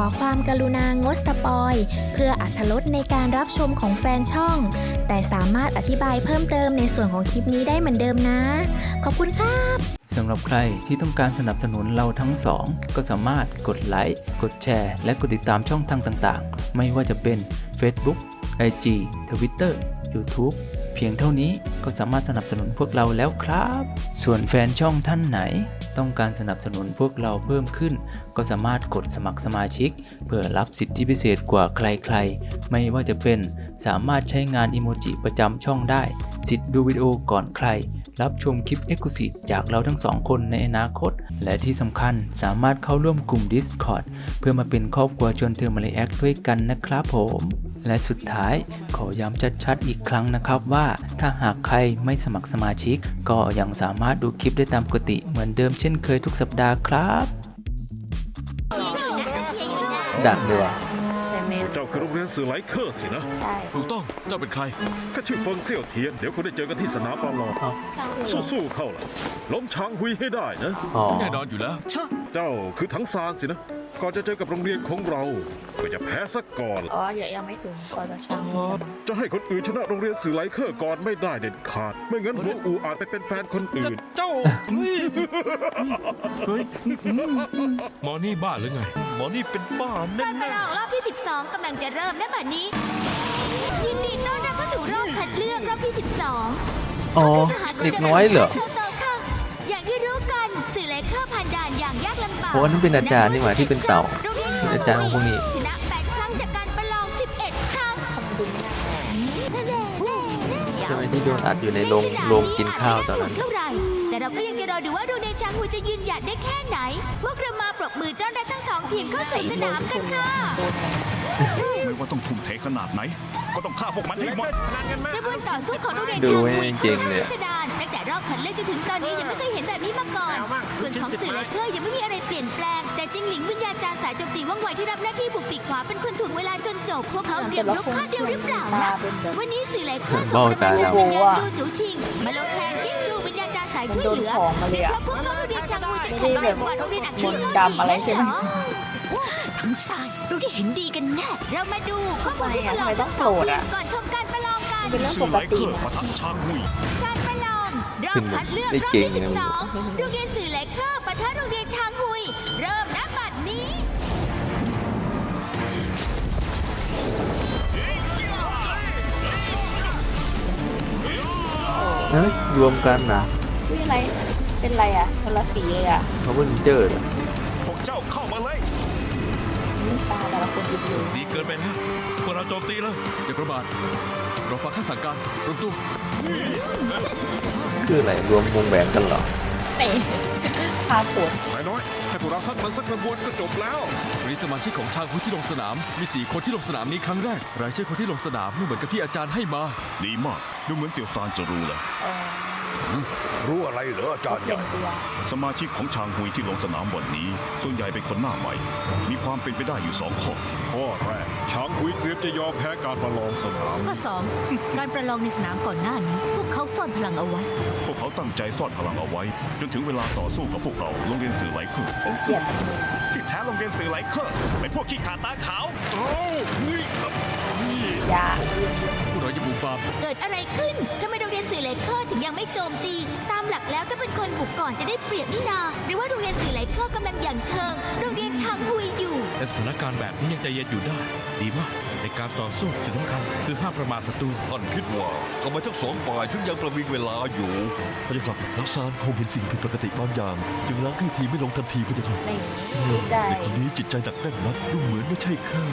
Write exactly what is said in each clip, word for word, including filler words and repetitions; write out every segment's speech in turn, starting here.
ความกรุณางดสปอยเพื่ออรรถรสในการรับชมของแฟนช่องแต่สามารถอธิบายเพิ่มเติมในส่วนของคลิปนี้ได้เหมือนเดิมนะขอบคุณครับสำหรับใครที่ต้องการสนับสนุนเราทั้งสองก็สามารถกดไลค์กดแชร์และกดติดตามช่องทางต่างๆไม่ว่าจะเป็น Facebook ไอ จี Twitter YouTube เพียงเท่านี้ก็สามารถสนับสนุนพวกเราแล้วครับส่วนแฟนช่องท่านไหนต้องการสนับสนุนพวกเราเพิ่มขึ้นก็สามารถกดสมัครสมาชิกเพื่อรับสิทธิพิเศษกว่าใครๆไม่ว่าจะเป็นสามารถใช้งานอิโมจิประจำช่องได้สิทธิ์ดูวิดีโอก่อนใครรับชมคลิป Exclusive จากเราทั้งสองคนในอนาคตและที่สำคัญสามารถเข้าร่วมกลุ่ม Discord เพื่อมาเป็นครอบครัวชวนเธอมาเลแอคด้วยกันนะครับผมและสุดท้ายขอย้ำชัดๆอีกครั้งนะครับว่าถ้าหากใครไม่สมัครสมาชิกก็ยังสามารถดูคลิปได้ตามปกติเหมือนเดิมเช่นเคยทุกสัปดาห์ครับดักด้วยเจ้าคือโรงเรียนสื่อไลเคอร์สินะใช่ถูกต้องเจ้าเป็นใครข้าชื่อเฟิงเซี่ยวเทียนเดี๋ยวคุณได้เจอกันที่สนามประลองสู้ๆเข้าล่ะล้มช้างหุยให้ได้นะแน่นอนอยู่แล้วเจ้าคือถังซานสินะก่อนจะเจอกับโรงเรียนของเราก็จะแพ้ซะก่อนอ๋ออย่ายังไม่ถึงก่อนจะช้างจะให้คนอื่นชนะโรงเรียนสื่อไลเคอร์ก่อนไม่ได้เด็ดขาดไม่งั้นหัวอูอาจไปเป็นแฟนคนอื่นเจ้าเฮ้ยหมอนี่บ้าหรือไงหมอนี่เป็นบ้าแน่ๆการประลองรอบที่สิบสองกำลังจะเริ่มและบัดนี้ยินดีต้อนรับเข้าสู่รอบคัดเลือกรอบที่สิบสองอ๋อเด็กน้อยเหรออย่างที่รู้กันสื่อไลเคอร์ผ่านด่านอย่างยากลำบากเพราะนั้นเป็นอาจารย์นี่หว่าที่เป็นเต่าเป็นอาจารย์ของพวกนี้ชนะแปดครั้งจากการประลองสิบเอ็ดครั้งใช่ไหมที่โดนอัดอยู่ในโรงโรงกินข้าวตอนนั้นแต่เราก็ยังจะรอดูว่าโรงเรียนชางฮูจะยืนหยัดได้แค่ไหนพวกเรามาปรบมือต้อนรับทั้งสองทีมเข้าสู่สนามกันค่ะไม่ว่าต้องทุ่มเทขนาดไหนก็ต้องฆ่าพวกมันให้หมดกระบวนต่อสู้ของโรงเรียนชางฮูคือพิสดารตั้งแต่รอบคัดเลือกจนถึงตอนนี้ยังไม่เคยเห็นแบบนี้มาก่อนส่วนของสื่อไลเคอร์ยังไม่มีอะไรเปลี่ยนแปลงแต่จิงหลิงวิญญาจารย์สายโจมตีว่องไวที่รับหน้าที่บุกปีกขวาเป็นคนถ่วงเวลาจนจบพวกเขาเตรียมลุกข้าเดียวหรือเปล่านะวันนี้สื่อไลเคอร์ส่งประธานวิญญาณจูจูชิงมาลงแทนจิ้งจูวิญญาจารย์สายช่วยเหลือเพราะพวกเขาโรงเรียนชางฮูจะแข็งแกร่งกว่าโรงเรียนอัคคีโชติอะไรใช่ไหมทั้งสายเราได้เห็นดีกันแน่เรามาดูข้อมูลที่ประลองทั้งสองทีมก่อนชมการประลองกันเป็นเรื่องปกติการประลองรอบคัดเลือกรอบที่สิบสองโรงเรียนสื่อไลเคอร์ปะทะโรงเรียนชางฮุยเริ่มณบัดนี้เฮ้ยรวมกันนะอุ้ยอะไรเป็นไรอ่ะคนละสีเลยอ่ะเขาเป็นเจอพวกเจ้าเข้ามาเลยตาแต่ละคนอยู่ดีเกินไปแล้วพวกเราโจมตีแล้วอย่าประมาทเราฟังข้าสั่งการรวมตัวคืออะไรรวมวงแหวนกันเหรอเตะพาปวดนายน้อยให้พวกเราซัดมันสักกระบวนก็จบแล้ววันนี้สมาชิกของชางฮูที่ลงสนามมีสี่คนที่ลงสนามนี้ครั้งแรกรายชื่อคนที่ลงสนามไม่เหมือนกับที่อาจารย์ให้มาดีมากดูเหมือนเสี่ยวซานจะรู้เลยรู้อะไรเหรออาจารย์ใหญ่สมาชิกของชางฮุยที่ลงสนามวันนี้ส่วนใหญ่เป็นคนหน้าใหม่มีความเป็นไปได้อยู่สองข้อข้อแรกชางฮุยเตรียมจะยอมแพ้การประลองสนามข้อสองการประลองในสนามก่อนหน้านี้พวกเขาซ่อนพลังเอาไว้พวกเขาตั้งใจซ่อนพลังเอาไว้จนถึงเวลาต่อสู้กับพวกเราโรงเรียนสื่อไลเคอร์เป็นเกียรติจังเลยที่แท้โรงเรียนสื่อไลเคอร์เป็นพวกขี้ขาตาขาวโอ้ยยาพวกเราจะบุกบาเกิดอะไรขึ้นทำไมโรงเรียนสื่อไลเคอร์ถึงยังไม่โจมตีตามหลักแล้วก็เป็นคนบุกก่อนจะได้เปรียบนี่นาหรือว่าโรงเรียนสื่อไลเคอร์กำลังอย่างเชิงโรงเรียนชางฮุยอยู่แต่สถานการณ์แบบนี้ยังใจเย็นอยู่ได้ดีมากในการต่อสู้สิ่งสำคัญคือห้ามประมาทศัตรูท่านคิดว่าทำไมทั้งสองฝ่ายถึงยังประวิงเวลาอยู่พระเจ้าค่ะนักซานคงเห็นสิ่งผิดปกติบางอย่างจึงล้างให้ทีไม่ลงทันทีพระเจ้าค่ะใจเด็กคนนี้จิตใจหนักแน่นนักดูเหมือนไม่ใช่แค่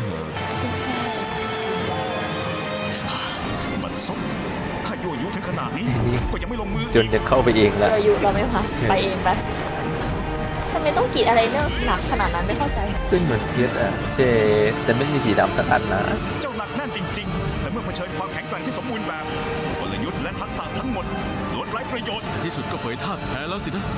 มันซบข้ายั่วยุถึงขนาดนี้ก็ยังไม่ลงมือจนจะเข้าไปเองแล้วยั่วยุเราไม่พักไปเองไปทำไมต้องกรีดอะไรเนอะหนักขนาดนั้นไม่เข้าใจขึ้นเหมือนเพียสอะเชแต่ไม่มีสีดำสักอันนะเจ้าหนักแน่นจริงๆแต่เมื่อเผชิญความแข็งแกร่งที่สมบูรณ์แบบกลยุทธ์และทักษะทั้งหมดล้วนไร้ประโยชน์ที่สุดก็เผยท่าแท้แล้วสินะ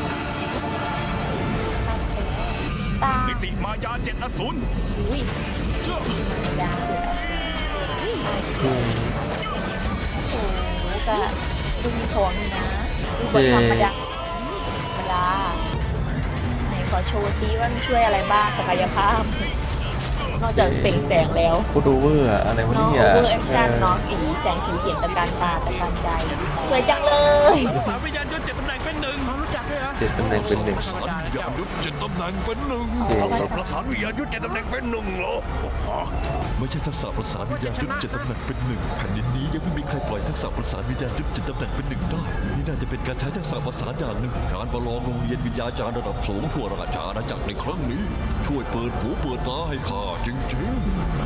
นิติมายาเจ็ดอสูรอุ้ยยาเจ็ดอสูรโอ้โหก็ดูมีของนี่นะดูบนธรรมดาธรรมดาไหนขอโชว์ซิว่ามันช่วยอะไรบ้างศักยภาพนอกจากเปล่งแสงแล้วกูดูเวอร์อะไรวะน้องเนี่โอย เวอร์แอคชั่นน้องสีแสงสีเสียงตะการตาตะการใจ สวยจังเลยสามวิญญาณยศเจ็ดตำแหน่งเป็นหนึ่งรู้จักด้วยเหรอเจ็ดตำแหน่งเป็นหนึ่งประสานวิญญาณยุทธเจ็ดตำแหน่งเป็นหนึ่งเจ็ดประสานวิญญาณยุทธเจ็ดตำแหน่งเป็นหนึ่งเหรอไม่ใช่ทักษะประสานวิญญาณยุทธเจ็ดตำแหน่งเป็นหนึ่งแผ่นดินนี้ยังไม่มีใครปล่อยทักษะประสานวิญญาณยุทธเจ็ดตำแหน่งเป็นหนึ่งได้นี่น่าจะเป็นการใช้ทักษะประสานอย่างหนึ่งการประลองโรงเรียนวิญญาจารย์ระดับสูงทั่วราชอาณาจักรในครั้งนี้ ช่วยเปิดหูเปิดตาให้ข้าจริงๆ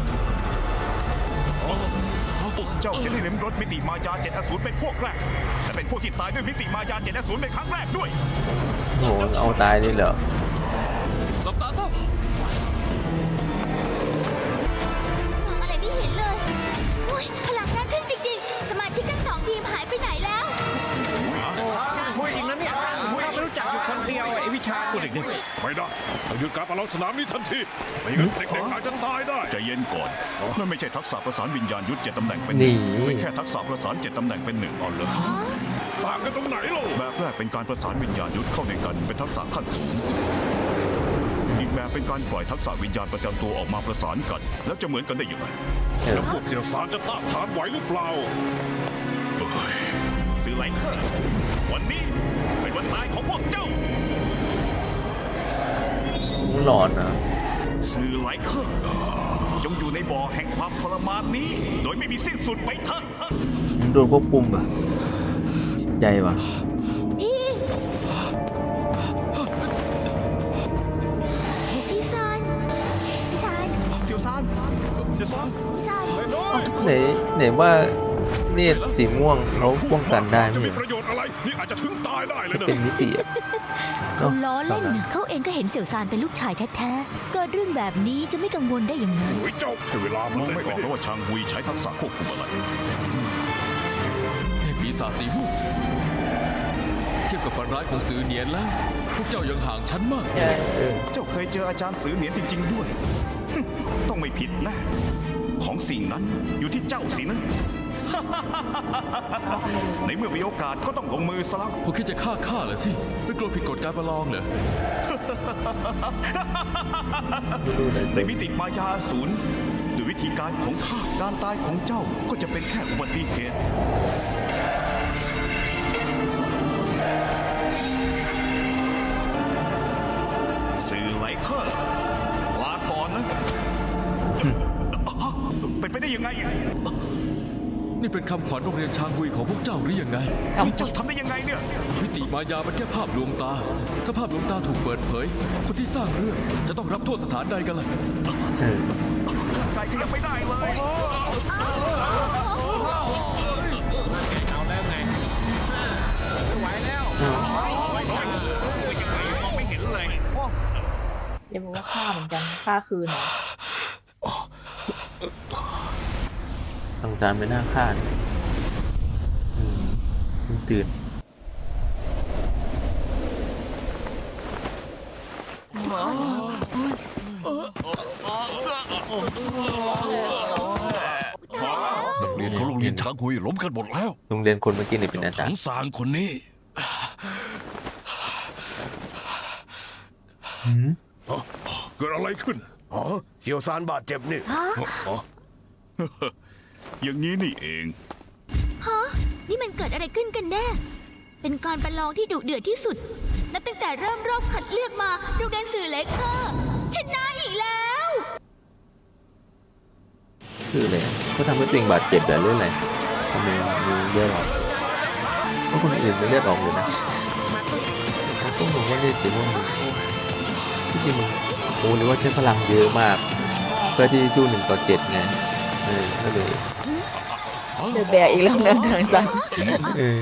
เจ้าจะได้ลิ้มรสมิติมายาเจ็ดอสูรเป็นพวกแรกและเป็นพวกที่ตายด้วยมิติมายาเจ็ดอสูรเป็นครั้งแรกด้วยโอ้โหเอาตายเลยเหรอหลับตาซะมองอะไรไม่เห็นเลยอุ้ยพลังน่าทึ่งจริงๆ สมาชิกทั้งสองทีมหายไปไหนแล้วพูดจริงนะเนี่ยข้าไม่รู้จักอยู่คนเดียวไอ้วิชาพวกเด็กไม่ได้ต้องหยุดการประลองสนามนี้ทันทีไม่งั้นเด็กๆอาจจะตายได้ๆใจเย็นก่อนนั่นไม่ใช่ทักษะประสานวิญญาณยุทธเจ็ดตำแหน่งเป็นหนี่นึ่งเป็นแค่ทักษะประสานเจ็ดตำแหน่งเป็นหนึ่งอ่อนเลยต่างกันตรงไหนล่ะแบบแรกเป็นการประสานวิญญาณยุทธเข้าในกันเป็นทักษะขั้นสูงอีกแบบเป็นการปล่อยทักษะวิญญาณประจำตัวออกมาประสานกัน แล้วจะเหมือนกันได้ยังไงเออแล้วพวกเสี่ยวซานจะต้านทานไหวหรือเปล่าสื่อไหลเคอร์วันนี้เป็นวันตายของพวกเจ้าหลอนนะสื่อไหลเคอร์จงอยู่ในบ่อแห่งความทรมานนี้ โดยไม่มีสิ้นสุดไปเถอะโดนควบคุมอ่ะจิตใจว่ะพี่พี่ซานพี่ซานเซียวซานเซียวซานพี่ซานไหนไหนว่าเนตรสีม่วงเขาป้องกันได้จะไหมมีประโยชน์อะไร นี่อาจจะถึงตายได้เลยนะเป็นมิติอ่ะเขาล้อเล่นนะเขาเองก็เห็นเสี่ยวซานเป็นลูกชายแท้ๆ เกิดเรื่องแบบนี้จะไม่กังวลได้ยังไงโอ้ยเจ้าใช้เวลามองเล่นไม่ออกแล้วว่าชางฮุยใช้ทักษะควบคุมอะไรเทพปีศาจสีม่วงเทียบกับฝันร้ายของสื่อเนียนแล้ว พวกเจ้ายังห่างฉันมากเจ้าเคยเจออาจารย์สือเหนียนจริง ๆ ด้วย ต้องไม่ผิดนะ ของสิ่งนั้นอยู่ที่เจ้าสินะ ในเมื่อมีโอกาสก็ต้องลงมือซะแล้วพวกคิดจะฆ่าข้าเหรอสิ ไม่กลัวผิดกฎการประลองเหรอในมิติมายาศูนย์ด้วยวิธีการของข้าการตายของเจ้าก็จะเป็นแค่อุบัติเหตุสื่อไหลเคอร์ลาก่อนนะ เป็นไปได้ยังไงนี่เป็นคำขวัญโรงเรียนชางฮุยของพวกเจ้าหรือยังไงเจ้าทำได้ยังไงเนี่ยมิติมายามันแค่ภาพลวงตา ถ้าภาพลวงตาถูกเปิดเผย คนที่สร้างเรื่องจะต้องรับโทษสถานใดกันล่ะเออใจขยับไม่ได้เลย มองไม่เห็นเลยเดี๋ยวบอกว่าฆ่าเหมือนกันฆ่าคืนเหรอทางการไม่น่าฆ่าเนี่ยอืมเพิ่งตื่นนักเรียนของโรงเรียนช้างหุยล้มกันหมดแล้วโรงเรียนคนเมื่อกี้นี่เป็นอาจารทั้งย์สารคนนี้หืมเกิดอะไรขึ้นอ๋อเสี่ยวซานบาดเจ็บนี่ อย่างนี้นี่เองฮะ นี่มันเกิดอะไรขึ้นกันแน่ เป็นการประลองที่ดุเดือดที่สุด นับตั้งแต่เริ่มรอบคัดเลือกมาโรงเรียนสื่อเล็กค่ะชนะอีกแล้วคืออะไรเขาทำให้ตัวเองบาดเจ็บแต่เรื่องอะไรทำไมมีเลือดออกเพราะคนอื่นไม่เลือดออกเลยนะเขาต้องบอกว่าเลือดสีม่วงที่จริงมันโอ้หรือว่าใช้พลังเยอะมากเสื้อที่สู้หนึ่งต่อเจ็ดไงเออก็เลยเดือดแบกอีกแล้วนะทางซันเออ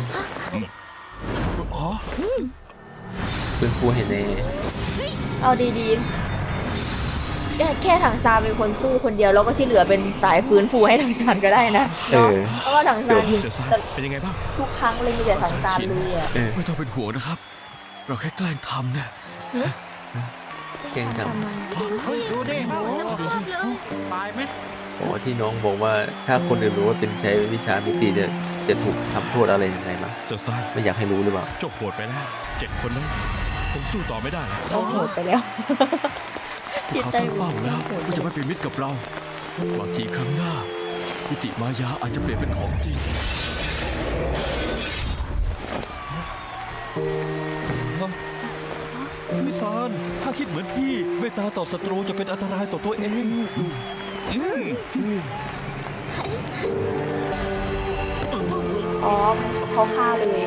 เป็นฟูให้แน่เอาดีๆแค่แค่ทางซานเป็นคนสู้คนเดียวแล้วก็ที่เหลือเป็นสายฟื้นฟูให้ทางซานก็ได้นะเอเนาะอเพราะว่าทางซานเสียซานเป็นยังไงบ้างทุกครั้งเลยมีแต่ทางซานเลยอ่ะเออไม่ต้องเป็นห่วงนะครับ เราแค่แกล้งทำเนี่ยเก่งจังดูดิโอ้โหน้ำท่วมเลยเพราะว่าที่น้องบอกว่าถ้าคนอื่นรู้ว่าเป็นใช้วิชามิติจะจะถูกทำโทษอะไรยังไงมั้งเสียซานไม่อยากให้รู้หรือเปล่าเจ้าโหดไปแล้วเจ็ดคนนั้นผมสู้ต่อไม่ได้แล้วโอ้โหดไปแล้วพวกเขาตั้งเป้าแล้วว่าจะไม่เป็นมิตรกับเราบางทีครั้งหน้ามิติมายาอาจจะเปลี่ยนเป็นของจริงมิซานถ้าคิดเหมือนพี่เมตตาต่อศัตรูจะเป็นอันตรายต่อตัวเองอ๋อเขาฆ่าเลย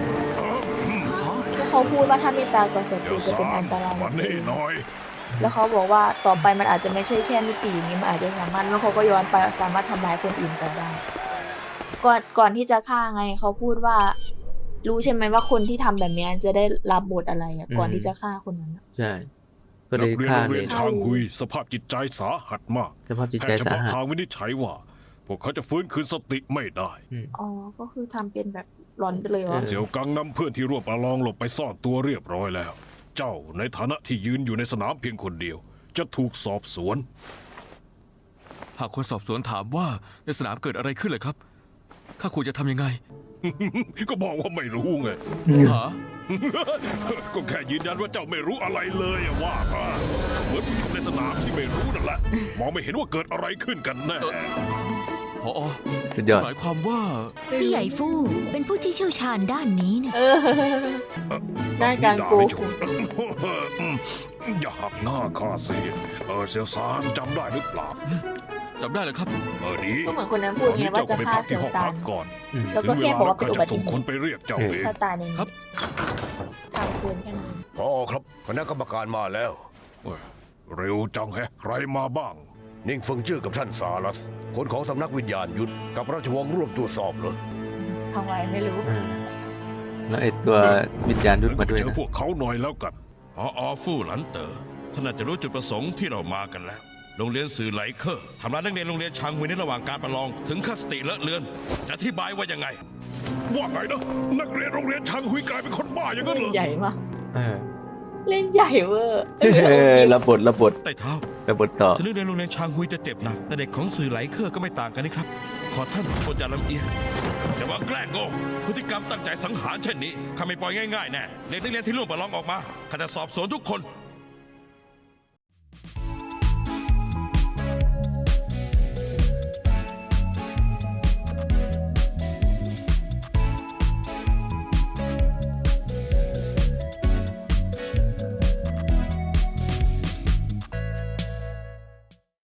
แล้วเขาพูดว่าถ้าเมตตาต่อศัตรูจะเป็นอันตรายวันนี้หน่อยแล้วเขาบอกว่าต่อไปมันอาจจะไม่ใช่แค่มิติอย่างนี้มันอาจจะสามารถแล้วเขาก็ย้อนไปสามารถทำร้ายคนอื่นต่อได้ก่อนก่อนที่จะฆ่าไงเขาพูดว่า รู้ใช่ไหมว่าคนที่ทำแบบนี้จะได้รับบทอะไรอ่ะก่อนที่จะฆ่าคนนั้นใช่ก็เลนัยกเรียนฆ่าโรงเลเรียยนชางฮุยสภาพจิตใจสาหัสมากสภาพจิตแพใจทย์เฉสาพาะหัสทางวินิจฉัยว่า พวกเขาจะฟื้นคืนสติไม่ได้อ๋อก็คือทำเป็นแบบหลอนไปเลยเหรอเสี่ยวกังนำเพื่อนที่ร่วมประลองหลบไปซ่อนตัวเรียบร้อยแล้ว เจ้าในฐานะที่ยืนอยู่ในสนามเพียงคนเดียว จะถูกสอบสวนหากคนสอบสวนถามว่าในสนามเกิดอะไรขึ้นเลยครับข้าควรจะทำยังไงก็บอกว่าไม่รู้ไงหาก็แค่ยืนยันว่าเจ้าไม่รู้อะไรเลยอะว่ามาเหมือนผู้ชมในสนามที่ไม่รู้นั่นแหละ มองไม่เห็นว่าเกิดอะไรขึ้นกันแน่พอสุดยอดหมายความว่าพี่ใหญ่ฟู่เป็นผู้ที่เชี่ยวชาญด้านนี้นะเออด้านการโกหกอย่าหักหน้าข้าสิเออเซียวซานจำได้หรือเปล่าจำได้เลยครับเออดีก็เหมือนคนนั้นพูดไงว่าจะฆ่าเสี่ยวซานก่อนแล้วก็แค่บอกว่าเป็นอุบัติส่งเหคนตุไปเรียกเจ้าเองถ้าตายในนี้ครับตามเกินแค่นั้นพอครับคณะกรรมการมาแล้วเร็วจังแฮะใครมาบ้างนิ่งเฟิงจื้อกับท่านซาลัส คนของสำนักวิญญาณยุทธกับราชวงศ์ร่วมตรวจสอบเลยทำไมไม่รู้อ่าแล้วไอ้ตัววิญญาณดุดมาด้วยเจอนะพวกเขาหน่อยแล้วกันพออฟู่หลันเต๋อท่านน่าจะรู้จุดประสงค์ที่เรามากันแล้ว โรงเรียนสื่อไหลเคอร์ทำร้ายนักเรียนโรงเรียนชางฮุยในระหว่างการประลองถึงขั้นสติเลอะเลือนจะอธิบายว่ายังไงว่าไงนะนักเรียนโรงเรียนชางฮุยกลายเป็นคนบ้าอย่างนั้นเหรอใหญ่มากเออเล่นใหญ่เวอร์เออระบทระบทใต้เท้าระบทต่อถึงนักเรียนโรงเรียนชางฮุยจะเจ็บหนักแต่เด็กของสื่อไหลเคอร์ก็ไม่ต่างกันนี่ครับ ขอท่านโปรดอย่าลำเอียงอย่าว่าแกล้งโง่พฤติกรรมตั้งใจสังหารเช่นนี้ข้าไม่ปล่อยง่ายๆแน่เด็กนักเรียนที่ร่วมประลองออกมาข้าจะสอบสวนทุกคน